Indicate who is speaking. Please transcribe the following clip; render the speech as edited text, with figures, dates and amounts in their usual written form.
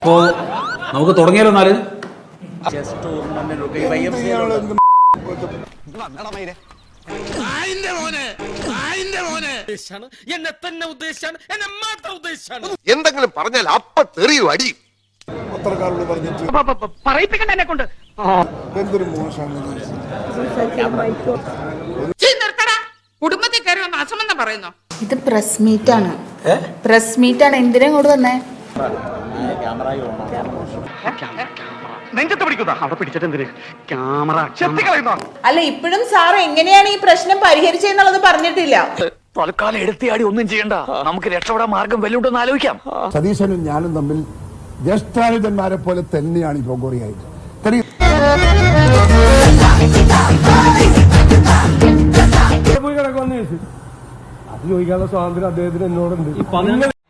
Speaker 1: അപ്പോ നമുക്ക് തുടങ്ങിയാലോ എന്നാല്
Speaker 2: എന്തെങ്കിലും പറഞ്ഞാൽ അപ്പ തെറിയും അടി
Speaker 3: പത്രക്കാരോട് പറഞ്ഞിട്ട് എന്തൊരു മോശമാണ്
Speaker 4: കുടുംബത്തിൽ കയറി വന്ന് അസമെന്ന് പറയുന്നു.
Speaker 5: ഇത് പ്രസ് മീറ്റ് ആണ്. പ്രസ് മീറ്റ് ആണ്. എന്തിനാ ഇങ്ങോട്ട് വന്നേ? അല്ല, ഇപ്പോഴും സാർ എങ്ങനെയാണ് ഈ പ്രശ്നം പരിഹരിച്ചെന്നുള്ളത് പറഞ്ഞിട്ടില്ല.
Speaker 6: തൽക്കാലം എടുത്തിയാടി ഒന്നും ചെയ്യണ്ട, നമുക്ക് രക്ഷപ്പെടാൻ മാർഗം വല്ലുണ്ടെന്ന് ആലോചിക്കാം.
Speaker 3: സതീശനും ഞാനും തമ്മിൽ ജ്യേഷ്ഠാനുജന്മാരെ പോലെ തന്നെയാണ് ഈ പൊങ്കോറിയായിട്ട്.
Speaker 7: പോയി കിടക്കുമെന്ന് ചോദിച്ചു. അത് ചോദിക്കാനുള്ള സ്വാതന്ത്ര്യം അദ്ദേഹത്തിന് എന്നോടുണ്ട്.